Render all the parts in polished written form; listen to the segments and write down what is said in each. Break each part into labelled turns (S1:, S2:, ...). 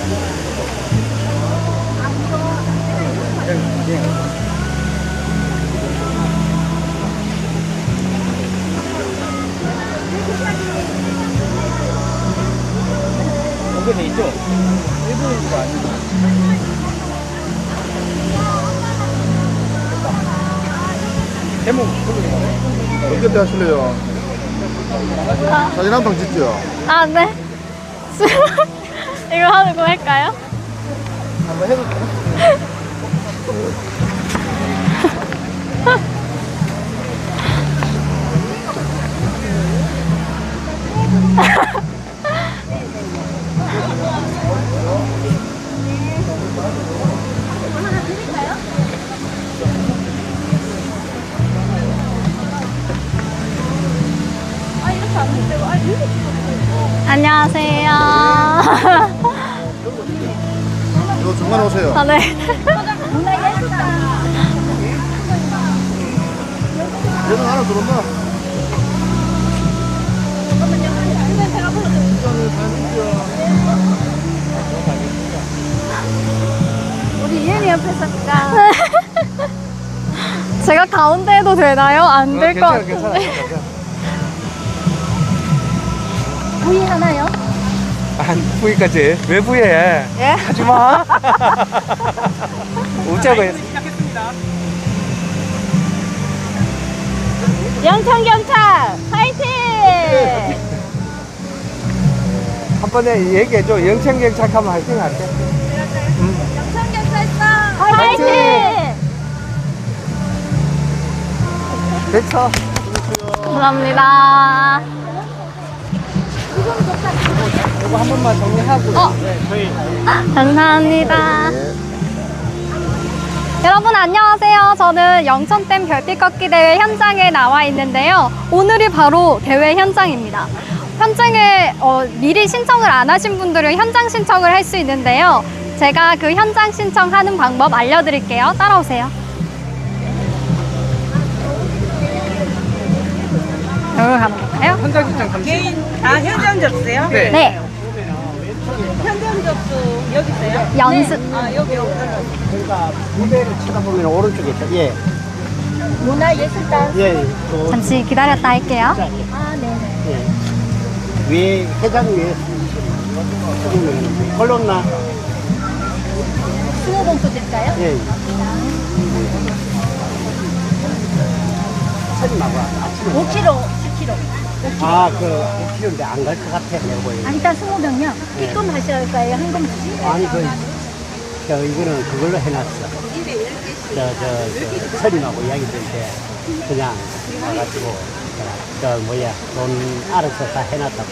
S1: 연결돼 있죠? 일본인 거 아니고. 제목
S2: 어떻게 때 하실래요? 사진 한 방 찍죠?
S3: 아, 네. 이거 하는 거 할까요?
S1: 한번 해볼까요?
S3: 안녕하세요.
S2: 이거 중간에 오세요.
S3: 아, 네.
S2: 얘는 하나 들었나?
S3: 우리 이은이 옆에 살까? 제가 가운데 해도 되나요? 안 될 것 같은데. 부위 하나요?
S1: 안 부위까지 왜 부위해?
S3: 예?
S1: 하지마. 웃자고 했어.
S3: 영창경찰 파이팅!
S1: 한 번에 얘기해줘. 영창경찰하면 화이팅 할게.
S3: 영창경찰서 파이팅!
S1: 됐어.
S3: 감사합니다.
S1: 이거 한 번만 정리하고. 네, 저희.
S3: 감사합니다. 여러분 안녕하세요. 저는 영천댐 별빛 걷기 대회 현장에 나와 있는데요. 오늘이 바로 대회 현장입니다. 현장에 미리 신청을 안 하신 분들은 현장 신청을 할 수 있는데요. 제가 그 현장 신청하는 방법 알려드릴게요. 따라오세요. 여기로 가는 건가요?
S1: 현장 신청 잠시.
S4: 현장 접수요?
S1: 네.
S3: 네.
S4: 현장 접수 여기 있어요?
S3: 연습.
S4: 여기.
S5: 그러니까 무대를 쳐다보면 오른쪽에 있죠. 예.
S4: 문화예술단.
S5: 예. 또
S3: 잠시 기다렸다 할게요.
S5: 예. 위에 회장 위에 찍으면 걸렀나?
S4: 수호봉투 드릴까요?
S5: 예. 사진하고 아침에
S4: 5kg, 10kg.
S5: 그 5kg인데 안 갈 것 같아 내가 보기엔.
S4: 일단 20명요.
S5: 네.
S4: 입금 하셔야 할까요? 한금 주시?
S5: 아니 이거는 그걸로 해놨어. 서림하고 이야기 될 때 그냥 와가지고 돈 알아서 다 해놨다고.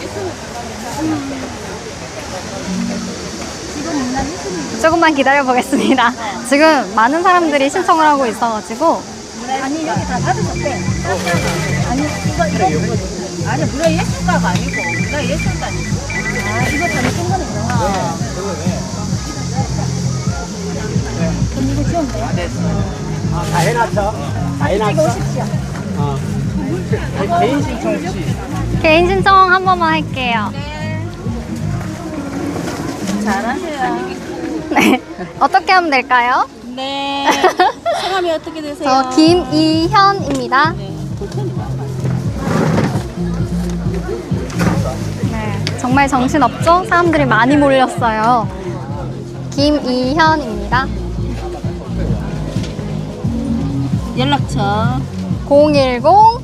S3: 조금만 기다려 보겠습니다. 지금 많은 사람들이 신청을 하고 있어가지고.
S4: 아니 여기 다 받으셨대. 아니 이거 아니 문화예술가가 아니고 문화예술단이. 이거 잘못된 거네요. 그럼 이거 지우면 돼요?
S5: 다 해놨어? 다 해놨어?
S4: 오십시오.
S1: 개인 신청 혹시.
S3: 개인 신청 한 번만 할게요.
S4: 잘하세요.
S3: 네. 어떻게 하면 될까요?
S4: 네. 성함이 어떻게 되세요?
S3: 저 김이현입니다. 네, 정말 정신없죠? 사람들이 많이 몰렸어요. 김이현입니다.
S4: 연락처
S3: 010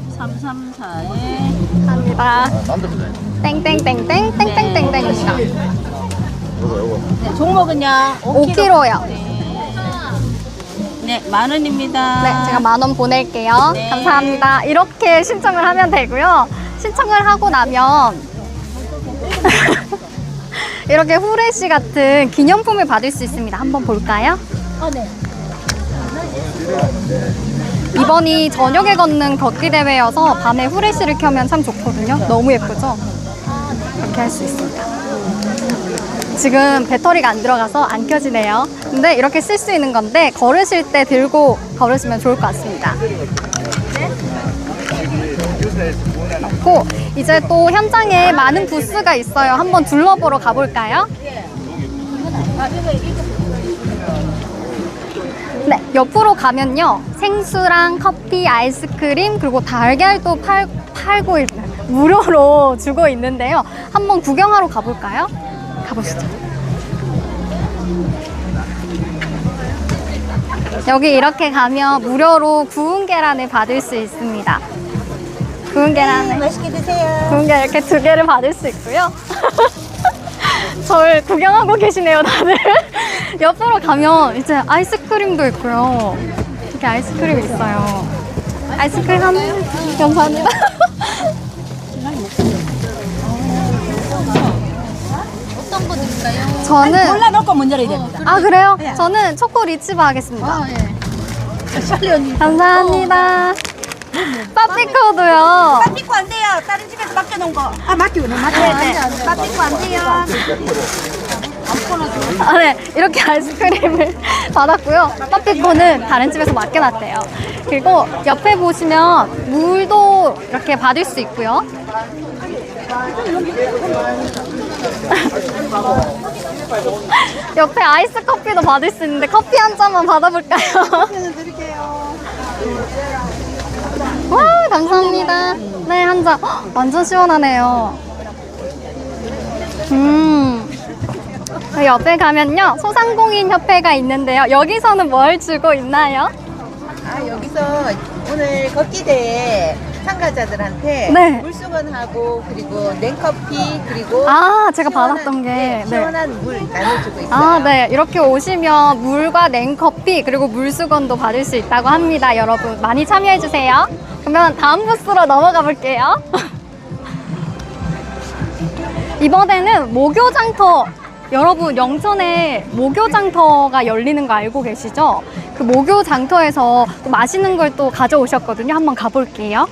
S4: 334에
S3: 합니다. 땡땡땡땡땡땡땡땡입니다.
S4: 네, 종목은요
S3: 5kg요.
S4: 네, 10,000원입니다.
S3: 네, 제가 10,000원 보낼게요.
S4: 네.
S3: 감사합니다. 이렇게 신청을 하면 되고요. 신청을 하고 나면 이렇게 후레쉬 같은 기념품을 받을 수 있습니다. 한번 볼까요?
S4: 네.
S3: 이번이 저녁에 걷는 걷기 대회여서 밤에 후레쉬를 켜면 참 좋거든요. 너무 예쁘죠? 이렇게 할 수 있습니다. 지금 배터리가 안 들어가서 안 켜지네요. 근데 이렇게 쓸 수 있는 건데 걸으실 때 들고 걸으시면 좋을 것 같습니다. 그리고 이제 또 현장에 많은 부스가 있어요. 한번 둘러보러 가볼까요? 네, 옆으로 가면요. 생수랑 커피, 아이스크림, 그리고 달걀도 팔고 무료로 주고 있는데요. 한번 구경하러 가볼까요? 가보시죠. 여기 이렇게 가면 무료로 구운 계란을 받을 수 있습니다. 구운 계란을.
S4: 맛있게 드세요.
S3: 구운 계란 이렇게 2개를 받을 수 있고요. 저를 구경하고 계시네요, 다들. 옆으로 가면 이제 아이스크림도 있고요. 이렇게 아이스크림 있어요. 아이스크림 감사합니다.
S4: 어떤 거 드릴까요?
S3: 저는
S4: 골라놓고 문 열어야 됩니다.
S3: 아 그래요? 저는 초코 리치바 하겠습니다.
S4: 빨리 언니.
S3: 감사합니다. 빠삐코도요.
S4: 빠삐코 안 돼요. 다른 집에서 맡겨놓은 거. 아, 맡기고네. 네. 빠삐코 안 돼요.
S3: 아, 네. 이렇게 아이스크림을 받았고요. 빠삐코는 다른 집에서 맡겨놨대요. 그리고 옆에 보시면 물도 이렇게 받을 수 있고요. 옆에 아이스 커피도 받을 수 있는데 커피 한 잔만 받아볼까요? 와, 감사합니다. 네, 한 잔. 헉, 완전 시원하네요. 그 옆에 가면요. 소상공인 협회가 있는데요. 여기서는 뭘 주고 있나요?
S6: 아, 여기서 오늘 걷기 대회 참가자들한테
S3: 네.
S6: 물수건하고 그리고 냉커피 그리고
S3: 아, 제가
S6: 시원한,
S3: 받았던 게.
S6: 네,
S3: 네.
S6: 시원한 물 나눠주고 있어요.
S3: 아, 네. 이렇게 오시면 물과 냉커피 그리고 물수건도 받을 수 있다고 합니다. 여러분 많이 참여해주세요. 그러면 다음 부스로 넘어가 볼게요. 이번에는 목요장터. 여러분 영천에 목요장터가 열리는 거 알고 계시죠? 그 목요장터에서 또 맛있는 걸 또 가져오셨거든요. 한번 가볼게요.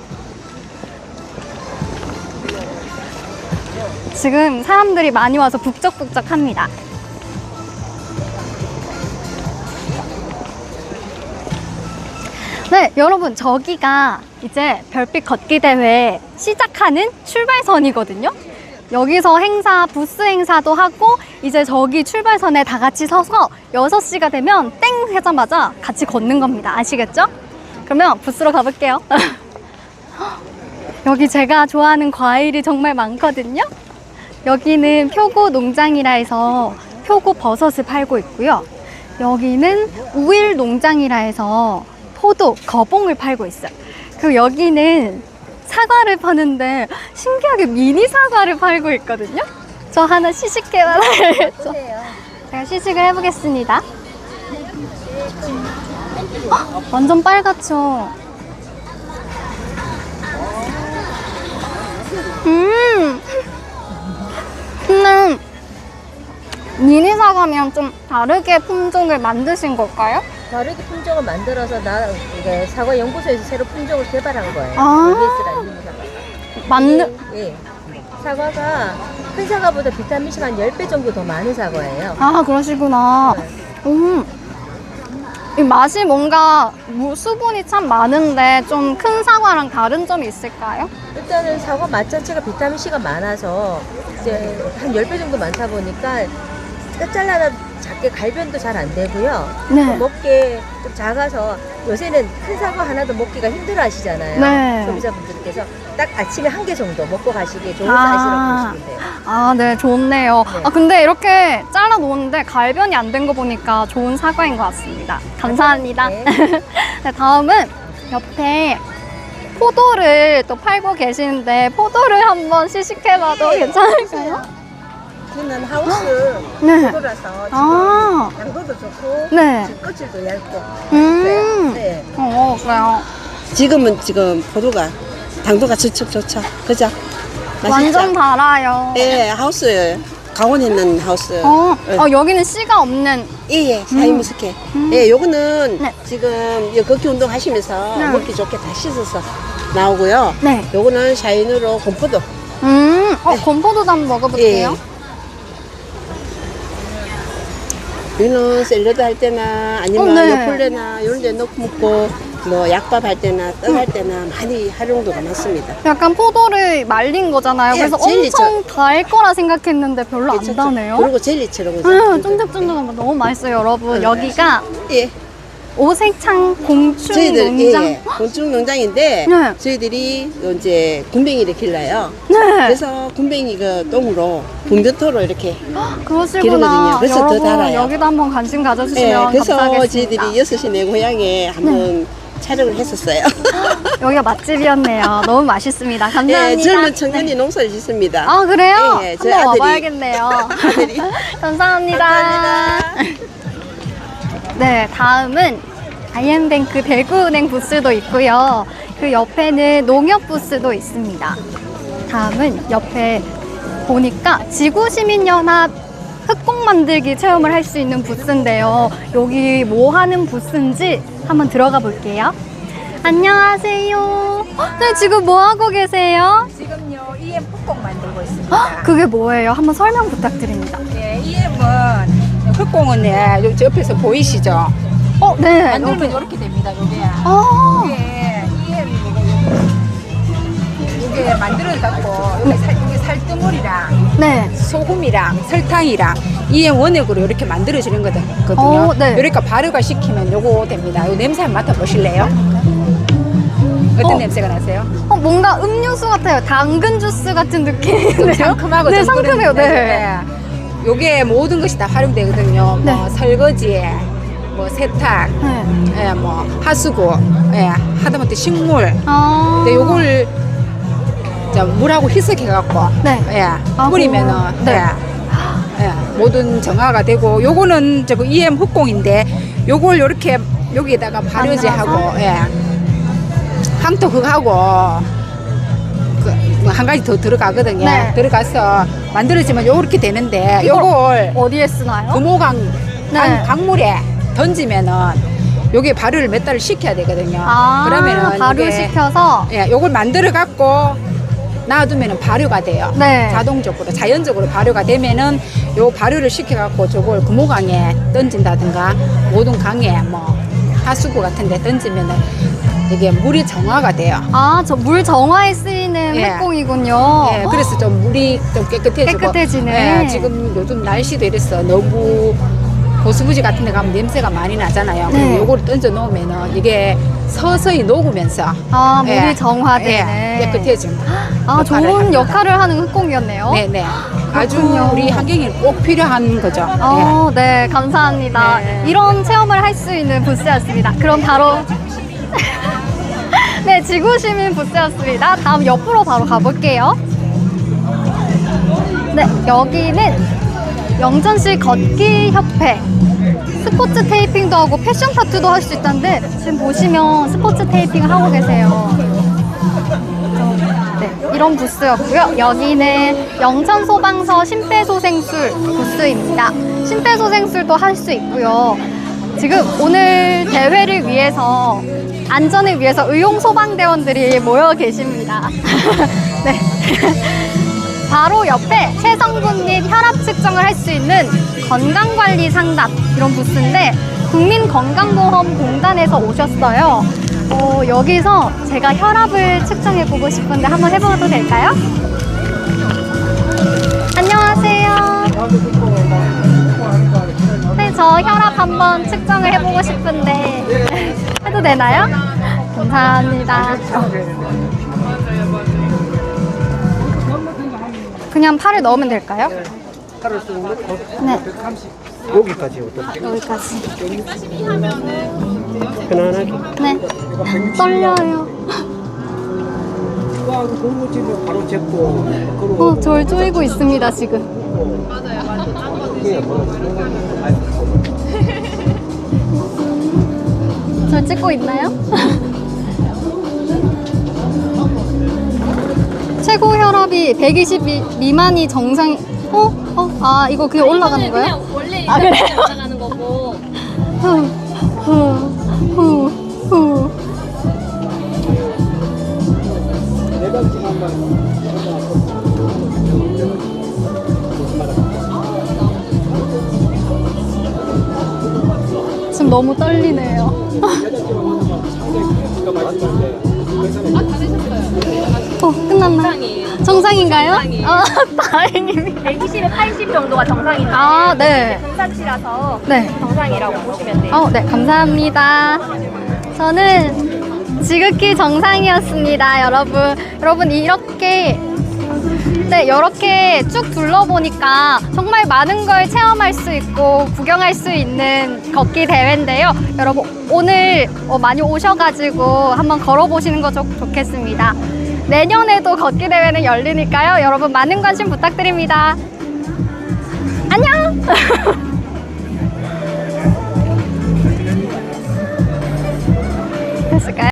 S3: 지금 사람들이 많이 와서 북적북적합니다. 네, 여러분 저기가 이제 별빛 걷기 대회 시작하는 출발선이거든요. 여기서 행사, 부스 행사도 하고 이제 저기 출발선에 다 같이 서서 6시가 되면 땡 하자마자 같이 걷는 겁니다. 아시겠죠? 그러면 부스로 가볼게요. 여기 제가 좋아하는 과일이 정말 많거든요. 여기는 표고 농장이라 해서 표고 버섯을 팔고 있고요. 여기는 우일 농장이라 해서 포도, 거봉을 팔고 있어요. 그리고 여기는 사과를 파는데 신기하게 미니 사과를 팔고 있거든요. 저 하나 시식해봐야겠죠. 제가 시식을 해보겠습니다. 완전 빨갛죠. 근데 미니 사과면 좀 다르게 품종을 만드신 걸까요?
S6: 다르게 품종을 만들어서 이게 사과 연구소에서 새로 품종을 개발한 거예요.
S3: 아.
S6: ABS라는 사과. 예. 사과가 큰 사과보다 비타민C가 한 10배 정도 더 많은 사과예요.
S3: 아, 그러시구나. 이 맛이 뭔가 수분이 참 많은데 좀 큰 사과랑 다른 점이 있을까요?
S6: 일단은 사과 맛 자체가 비타민C가 많아서 이제 한 10배 정도 많다 보니까 잘라다 작게 갈변도 잘 안 되고요.
S3: 네.
S6: 먹기에 좀 작아서 요새는 큰 사과 하나도 먹기가 힘들어 하시잖아요.
S3: 네.
S6: 소비자분들께서 딱 아침에 한 개 정도 먹고 가시기에 좋은
S3: 아.
S6: 사이즈라고 보시면 돼요.
S3: 아, 네, 좋네요.
S6: 네.
S3: 아, 근데 이렇게 잘라 놓았는데 갈변이 안 된 거 보니까 좋은 사과인 것 같습니다. 감사합니다.
S6: 네.
S3: 네, 다음은 옆에 포도를 또 팔고 계시는데 포도를 한번 시식해봐도 괜찮을까요?
S6: 저는 하우스
S3: 네.
S6: 포도라서 지금
S3: 아,
S6: 당도도 좋고
S3: 네.
S6: 지금 껍질도 얇고
S3: 네. 그래요.
S7: 지금은 포도가 당도가 좋죠. 그죠? 맛있죠?
S3: 완전 달아요.
S7: 예, 하우스예요. 강원에 있는 하우스.
S3: 여기는 씨가 없는.
S7: 예, 사이미스케. 예, 요거는
S3: 네.
S7: 지금 걷기 운동 하시면서
S3: 네.
S7: 먹기 좋게 다 씻어서 나오고요.
S3: 네.
S7: 요거는 샤인으로 건포도.
S3: 건포도도 한번 먹어볼게요.
S7: 여기는 샐러드 할 때나 아니면
S3: 네.
S7: 요플레나 이런 데 넣고 먹고 뭐 약밥 할 때나 떡 할 때나 많이 활용도가 많습니다.
S3: 약간 포도를 말린 거잖아요.
S7: 예,
S3: 그래서 엄청 달 거라 생각했는데 별로 안
S7: 괜찮죠?
S3: 다네요.
S7: 그리고 젤리처럼 그죠?
S3: 쫀득쫀득한 거 너무 맛있어요, 여러분. 여기가
S7: 예.
S3: 오색창 공충
S7: 저희들
S3: 농장.
S7: 예, 곤충 농장인데
S3: 네.
S7: 저희들이 이제 군뱅이를 길러요.
S3: 네.
S7: 그래서 군뱅이 그 똥으로 분변토로 이렇게
S3: 그러시구나.
S7: 기르거든요. 그래서 더
S3: 여러분,
S7: 달아요.
S3: 여기도 한번 관심
S7: 예,
S3: 가져주시면
S7: 그래서
S3: 감사하겠습니다.
S7: 저희들이 6시 내 고향에 한번 촬영을 했었어요.
S3: 여기가 맛집이었네요. 너무 맛있습니다. 감사합니다.
S7: 예, 젊은 청년이 농사를 짓습니다.
S3: 아, 그래요?
S7: 예, 저희
S3: 한번
S7: 아들이.
S3: 와봐야겠네요.
S7: 아들이.
S3: 감사합니다.
S7: 감사합니다.
S3: 네, 다음은 아이엠뱅크 대구은행 부스도 있고요. 그 옆에는 농협 부스도 있습니다. 다음은 옆에 보니까 지구시민연합 흑공 만들기 체험을 할 수 있는 부스인데요. 여기 뭐 하는 부스인지 한번 들어가 볼게요. 안녕하세요. 네, 지금 뭐 하고 계세요?
S8: 지금요 EM 흑공 만들고 있습니다.
S3: 그게 뭐예요? 한번 설명 부탁드립니다.
S8: 예, EM은 흑공은 예, 저 옆에서 보이시죠?
S3: 네.
S8: 만들면 이렇게 됩니다. 요게
S3: 아,
S8: 이게 이게 만들어 갖고 이게 살뜨물이랑
S3: 네.
S8: 소금이랑 설탕이랑 EM 원액으로 이렇게 만들어지는 거거든요.
S3: 네.
S8: 이렇게 발효가 시키면 요거 됩니다. 요 냄새 한번 맡아 보실래요? 어떤 냄새가 나세요?
S3: 뭔가 음료수 같아요. 당근 주스 같은 느낌인데요?
S8: 상큼하고
S3: 네,
S8: 좀
S3: 상큼해요.
S8: 그런-
S3: 네.
S8: 예. 요게 모든 것이 다 활용되거든요.
S3: 네.
S8: 뭐 설거지, 뭐 세탁,
S3: 네.
S8: 예, 뭐 하수구, 예, 하다못해 식물.
S3: 아.
S8: 근데 요걸 자, 물하고 희석해갖고
S3: 네.
S8: 예,
S3: 아,
S8: 뿌리면은
S3: 네.
S8: 예, 모든 정화가 되고 요거는 저거 EM 흑공인데 요걸 요렇게 여기에다가 발효제하고 예, 항토흑하고 한 가지 더 들어가거든요.
S3: 네.
S8: 들어가서 만들어지면 요렇게 되는데 요걸
S3: 어디에 쓰나요?
S8: 금호강
S3: 네.
S8: 강물에 던지면은 요게 발효를 몇 달을 시켜야 되거든요.
S3: 아,
S8: 그러면은
S3: 발효시켜서.
S8: 예, 요걸 만들어 갖고 놔두면은 발효가 돼요.
S3: 네.
S8: 자동적으로 자연적으로 발효가 되면은 요 발효를 시켜 갖고 저걸 금호강에 던진다든가 모든 강에 뭐 하수구 같은 데 던지면은 이게 물이 정화가 돼요.
S3: 아, 저 물 정화에 쓰이는
S8: 예.
S3: 흑공이군요.
S8: 예, 그래서 좀 물이 좀 깨끗해지고
S3: 깨끗해지네.
S8: 예, 지금 요즘 날씨도 이래서 너무 고수부지 같은 데 가면 냄새가 많이 나잖아요.
S3: 네.
S8: 그리고 요거를 던져 놓으면은 이게 서서히 녹으면서
S3: 아, 물이
S8: 예,
S3: 정화되네.
S8: 예, 깨끗해집니다.
S3: 아, 좋은
S8: 합니다.
S3: 역할을 하는 흑공이었네요.
S8: 네네. 아주
S3: 그렇군요.
S8: 우리 환경에 꼭 필요한 거죠.
S3: 네, 감사합니다.
S8: 네.
S3: 이런 체험을 할 수 있는 부스였습니다. 그럼 바로 네, 지구시민 부스였습니다. 다음 옆으로 바로 가볼게요. 네, 여기는 영천시 걷기협회 스포츠 테이핑도 하고 패션 타투도 할 수 있다는데 지금 보시면 스포츠 테이핑을 하고 계세요. 네, 이런 부스였고요. 여기는 영천소방서 심폐소생술 부스입니다. 심폐소생술도 할 수 있고요. 지금 오늘 대회를 위해서 안전을 위해서 의용소방대원들이 모여 계십니다. 네. 바로 옆에 체성분 및 혈압 측정을 할 수 있는 건강관리 상담 이런 부스인데 국민건강보험공단에서 오셨어요. 여기서 제가 혈압을 측정해 보고 싶은데 한번 해봐도 될까요? 안녕하세요. 네, 저 혈압 한번 측정을 해보고 싶은데 해도 되나요? 감사합니다. 그냥 팔을 넣으면 될까요?
S5: 팔을 쭉 넣고
S3: 네,
S5: 여기까지 어떻게?
S3: 여기까지.
S5: 편안하게.
S3: 네, 떨려요.
S5: 와, 그 공무집에 바로 잡고.
S3: 절 쪼이고 있습니다, 지금. 절 찍고 있나요? 최고 혈압이 120 미만이 정상. 아, 이거 그냥 올라가는 거예요?
S9: 원래
S3: 아, 그래요?
S9: 올라가는 거고.
S3: 후. 지금 너무 떨리네요. 끝났나요? 정상인가요? 다행입니다.
S4: 120에 80 정도가 정상인데
S3: 아, 네.
S4: 등산치라서
S3: 네.
S4: 정상이라고 보시면 돼요.
S3: 네, 감사합니다. 저는 지극히 정상이었습니다, 여러분. 여러분, 이렇게 쭉 둘러보니까 정말 많은 걸 체험할 수 있고 구경할 수 있는 걷기 대회인데요. 여러분, 오늘 많이 오셔가지고 한번 걸어보시는 거 좋겠습니다. 내년에도 걷기 대회는 열리니까요. 여러분, 많은 관심 부탁드립니다. 안녕! 됐을까요?